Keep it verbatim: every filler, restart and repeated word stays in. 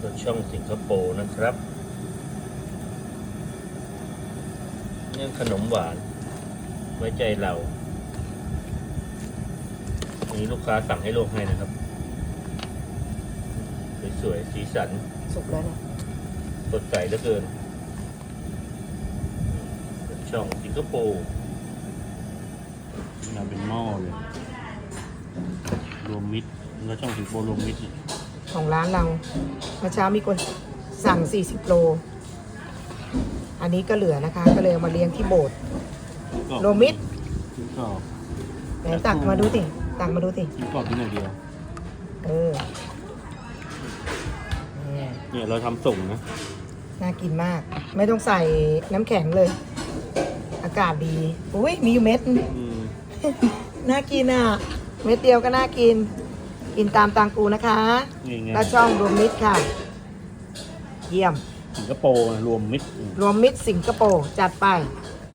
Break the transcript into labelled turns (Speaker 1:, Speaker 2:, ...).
Speaker 1: รถช่องสิงคโปร์นะครับนี่ขนมหวานไว้ใจเราอันนี้ลูกค้าสั่งให้ลวกให้นะครับสวยๆสีสัน
Speaker 2: สุกแล้วเนี่ย
Speaker 1: สดใสเหลือเกินรถช่องสิงคโปร์มาเป็นหม้อเลยรวมมิตรแล้วช่องสิงคโปร์รวมมิตร
Speaker 2: ของร้านเราเมื่อเช้ามีคนสั่งสี่สิบโลอันนี้ก็เหลือนะคะ ก็เลยเอามาเลี้ยงที่โบสถ์โรวมมิตร
Speaker 1: ก็
Speaker 2: ไหนตักมาดูสิตักมาดูสิ
Speaker 1: กินกรอบกินอย่างเดียว
Speaker 2: เออเนี่ย
Speaker 1: เนี่ยเราทำส่งนะ
Speaker 2: น่ากินมาก ไม่ต้องใส่น้ำแข็งเลย อากาศดีอุ้ยมีอยู่เม็ด
Speaker 1: อืม
Speaker 2: น่ากินอ่ะ เม็ดเดียวก็น่ากิน กินตามตังกูนะคะ
Speaker 1: นี่ไง
Speaker 2: และช่องรวมมิตรค่ะ เยี่ยม
Speaker 1: สิงคโปร์รวมมิตร
Speaker 2: รวมมิตรสิงคโปร์จัดไป